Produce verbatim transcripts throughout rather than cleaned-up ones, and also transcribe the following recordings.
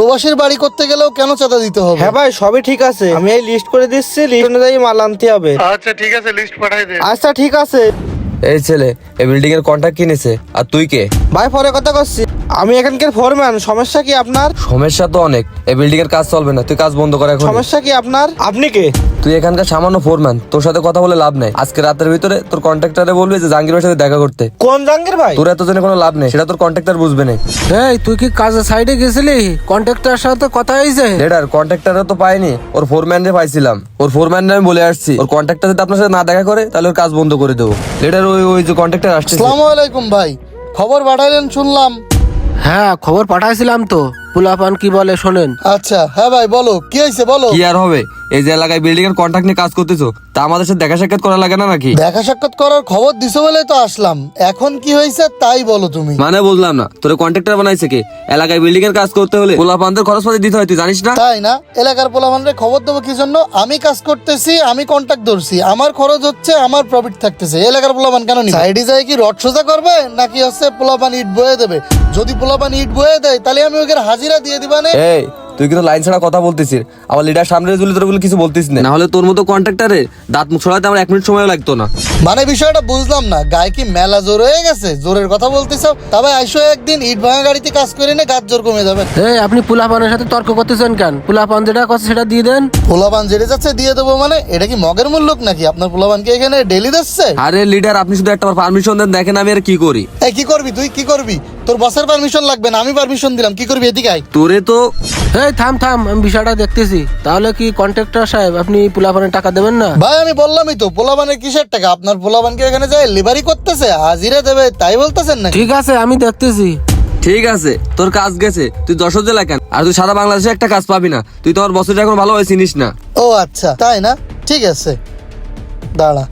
প্রবাসীর বাড়ি করতে গেলেও কেন চাঁদা দিতে হবে? হ্যাঁ ভাই, সবই ঠিক আছে, আমি এই লিস্ট করে দিচ্ছি, লিস্ট অনুযায়ী মাল আনতে হবে। আচ্ছা ঠিক আছে, লিস্ট পাঠাই দে। আচ্ছা ঠিক আছে। এই ছেলে এই বিল্ডিং এর কন্ট্রাক্ট কিনেছে, আর তুই কে? ভাই পরে কথা করছি, আমি এখানকার ফোরম্যান। সমস্যা কি আপনার? সমস্যা তো অনেক, এই বিল্ডিং এর কাজ চলবে না, তুই কাজ বন্ধ কর এখন। সমস্যা কি আপনার? আপনি কে? তুই এখানকার সামান্য ফোরম্যান, তোর সাথে কথা বলে লাভ নেই। আজকে রাতের ভিতরে তোর কন্ট্রাক্টরে বলবি যে জাহাঙ্গীরের সাথে দেখা করতে। কোন জাহাঙ্গীর ভাই? তোর এত জেনে কোনো লাভ নেই, সেটা তোর কন্ট্রাক্টর বুঝবে না। এই তুই কি কাজের সাইডে গেছিলি? কন্ট্রাক্টরের সাথে কথা হয়েছে? লেডার কন্ট্রাক্টরে তো পাইনি, ওর ফোরম্যান রে পাইছিলাম। ওর ফোরম্যান রে আমি বলে আসছি ওর কন্ট্রাক্টর যদি আপনার সাথে না দেখা করে তাহলে ওর কাজ বন্ধ করে দেবো। লেডার ওই ওই যে কন্ট্রাক্টর আসছে। আসসালামু আলাইকুম ভাই, খবর পাঠাইলেন শুনলাম। হ্যাঁ খবর পাঠাইছিলাম তো, পোলাপান কি বলে শোনেন। আচ্ছা হ্যাঁ ভাই বলো, কি হয়েছে বলো। কি আর হবে, এই যে এলাকায় বিল্ডিং এর কন্ট্রাক্ট নিয়ে কাজ করতেছো, তা আমাদের সাথে দেখা সাক্ষাৎ করা লাগে না নাকি? দেখা সাক্ষাৎ করার খবর দিছো বলে তো আসলাম, এখন কি হয়েছে তাই বলো তুমি। মানে বুঝলাম না, তোর কন্ট্রাক্টর বানাইছে কে? এলাকায় বিল্ডিং এর কাজ করতে হলে পোলাপানদের খরচপাতি দিতে হয়, তুই জানিস না? তাই না, এলাকার পোলাপানরে খবর দেবো কি জন্য? আমি কাজ করতেছি, আমি কন্ট্রাক্ট ধরছি, আমার খরচ হচ্ছে, আমার প্রফিট থাকতেছে। এলাকার পোলাপান কেন নিবে? সাইডে যায় কি রড সোজা করবে নাকি হচ্ছে পোলাপান ইট বয়ে দেবে? যদি পোলাপান ইট বয়ে দেয় তাহলে আমি ওকে হাজিরা দিয়ে দিবা না। এই তুই কিন্তু লাইন ছাড়া কথা বলতেছিস, আমার লিডার সামনে জুলি তোর বলে কিছু বলতিস না, না হলে তোর মতো কন্ট্রাক্টরে দাঁত মুখ ছড়াতে আমার এক মিনিট সময় লাগতো না। মানে বিষয়টা বুঝলাম না, গায়ে কি মেলা জোর হয়ে গেছে? জোরের কথা বলতেছ, তবে আইসো একদিন ইট ভাঙা গাড়িতে কাজ করে নে, গাছ জোর কমে যাবে। এই আপনি পোলাপানের সাথে তর্ক করতেছেন কেন? পোলাপান যেটা কথা সেটা দিয়ে দেন। পোলাপান যেতে যাচ্ছে দিয়ে দেবো মানে? এটা কি মগের মূল্যক নাকি? আপনার পোলাপানকে এখানে ডেলি দিচ্ছে? আরে লিডার আপনি শুধু একটা পারমিশন দেন, দেখেন আমি আর কি করি। এই কি করবি তুই, কি করবি? তোর বসের পারমিশন লাগবে না, আমি পারমিশন দিলাম, কি করবি এদিকে আয়। তোরে তো এই থাম থাম, আমি বিষয়টা দেখতেছি। তাহলে কি কন্ট্রাক্টর সাহেব আপনি পোলাপানের টাকা দেবেন না? ভাই আমি বললামই তো, পোলাপানের কিসের টাকা? আপনার পোলাপানকে এখানে যায় লিভারি করতেছে, হাজিরা দেবে তাই বলতেছেন নাকি? ঠিক আছে আমি দেখতেছি। ঠিক আছে, তোর কাজ গেছে, তুই যশোর জেলা কেন? আর তুই সারা বাংলাদেশে একটা কাজ পাবি না, তুই তোমার বছরটা এখন ভালোভাবে চিনিস না। ও আচ্ছা তাই না, ঠিক আছে দাঁড়া,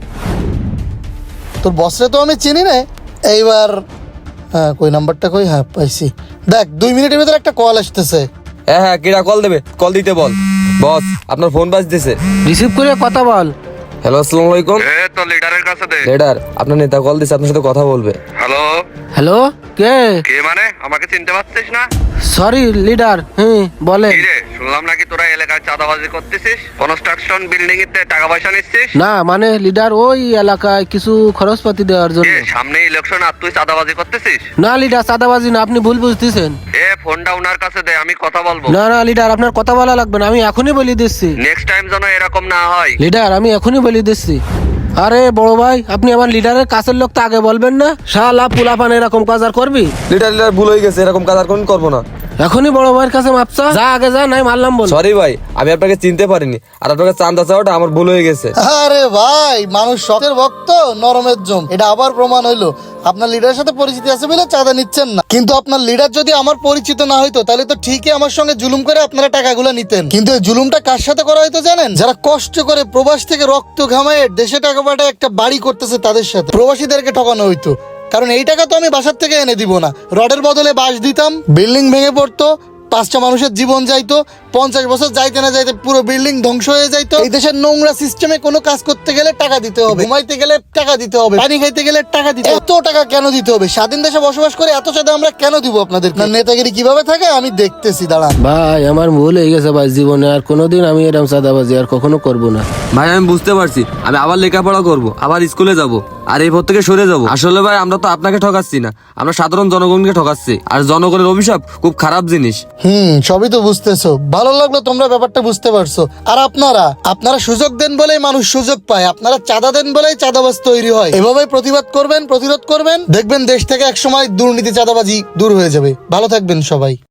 তোর বসরে তো আমি চিনি না। এইবার হ্যাঁ, কই নাম্বারটা কই? হ্যাঁ পাইছি, দেখ দুই মিনিটের ভিতরে একটা কল আসতেছে। হ্যাঁ হ্যাঁ, কিরা কল দেবে? কল দিতে বল। বস আপনার ফোন বাজতেছে। রিসিভ করে কথা বল। হ্যালো আসসালামু আলাইকুম। এ তো লিডারের কাছে দে। লিডার আপনার নেতা কল দিছে, আপনার সাথে কথা বলবে। হ্যালো, হ্যালো কে? কে মানে? আমাকে চিনতে পারছিস না? সরি লিডার, হুম বলেন। কি রে, শুনলাম নাকি তোরা এলাকায় চাঁদাবাজি করতেছিস, কনস্ট্রাকশন বিল্ডিং এতে টাকা পয়সা নিচ্ছিস। না মানে লিডার ওই এলাকায় কিছু খরচপাতি দেওয়ার জন্য। এ সামনে ইলেকশন আর তুই চাঁদাবাজি করতেছিস? না লিডার চাঁদাবাজি না, আপনি ভুল বুঝতেছেন। এ ফোনটা উনার কাছে দে, আমি কথা বলবো। না না লিডার, আপনার কথা বলা লাগবে না, আমি এখনই বলে দিচ্ছি। নেক্সট টাইম যেন এরকম না হয়। লিডার আমি এখনই বলে দিচ্ছি। আরে বড় ভাই, আপনি আমার লিডারের কাছের লোক তো আগে বলবেন না? শালা পুলাপান এরকম কাজ আর করবি? লিডার লিডার ভুল হয়ে গেছে, এরকম কাজ আর কোন করবো না। এখনই বড় ভাইয়ের কাছে মাপসা, যা আগে যা, নাই মারলাম বল। সরি ভাই, আমি আপনাকে চিনতে পারিনি, আর আপনাকে চান্দা চাওয়াটা আমার ভুল হয়ে গেছে। আরে ভাই, মানুষ শখের ভক্ত নরমের জম, এটা আবার প্রমাণ হইলো। আপনার লিডারের সাথে পরিচিতি আছে বলে চাঁদা নিচ্ছেন না, কিন্তু আপনার লিডার যদি আমার পরিচিত না হইতো তাহলে তো ঠিকই আমার সঙ্গে জুলুম করে আপনারা টাকাগুলো নিতেন। কিন্তু এই জুলুমটা কার সাথে করা হইতো জানেন? যারা কষ্ট করে প্রবাস থেকে রক্ত ঘামায় দেশে টাকা পাঠায় একটা বাড়ি করতেছে তাদের সাথে প্রবাসীদেরকে ঠকানো হইতো। কারণ এই টাকা তো আমি বাসার থেকে এনে দিব না, রডের বদলে বাঁশ দিতাম, বিল্ডিং ভেঙে পড়তো, পাঁচটা মানুষের জীবন যাইতো, পঞ্চাশ বছর যাইতে না যাইতে পুরো বিল্ডিং ধ্বংস হয়ে যাইতো। এই দেশের নোংরা সিস্টেমে কোনো কাজ করতে গেলে টাকা দিতে হবে, ঘুমাইতে গেলে টাকা দিতে হবে, পানি খাইতে গেলে টাকা দিতে হবে। এত টাকা কেন দিতে হবে? স্বাধীন দেশে বসবাস করে এত চাঁদা আমরা কেন দিব আপনাদের? নেতাগিরি কিভাবে থাকে আমি দেখতেছি, দাঁড়ান। ভাই আমার ভুল হয়ে গেছে ভাই, জীবনে আর কোনোদিন আমি এরকম চাঁদাবাজি আর কখনো করব না। ভাই আমি বুঝতে পারছি, আমি আবার লেখাপড়া করব, আবার স্কুলে যাব, আর এই পথ থেকে সরে যাব। আসলে ভাই আমরা তো আপনাকে ঠকাচ্ছি না, আমরা সাধারণ জনগণকে ঠকাচ্ছি, আর জনগণের অভিশাপ খুব খারাপ জিনিস। হুম, সবই তো বুঝতেছো, ভালো লাগলো তোমরা ব্যাপারটা বুঝতে পারছো। আর আপনারা আপনারা সুযোগ দেন বলেই মানুষ সুযোগ পায়, আপনারা চাঁদা দেন বলেই চাঁদাবাজ তৈরি হয়। এভাবেই প্রতিবাদ করবেন, প্রতিরোধ করবেন, দেখবেন দেশ থেকে একসময় দুর্নীতি চাঁদাবাজি দূর হয়ে যাবে। ভালো থাকবেন সবাই।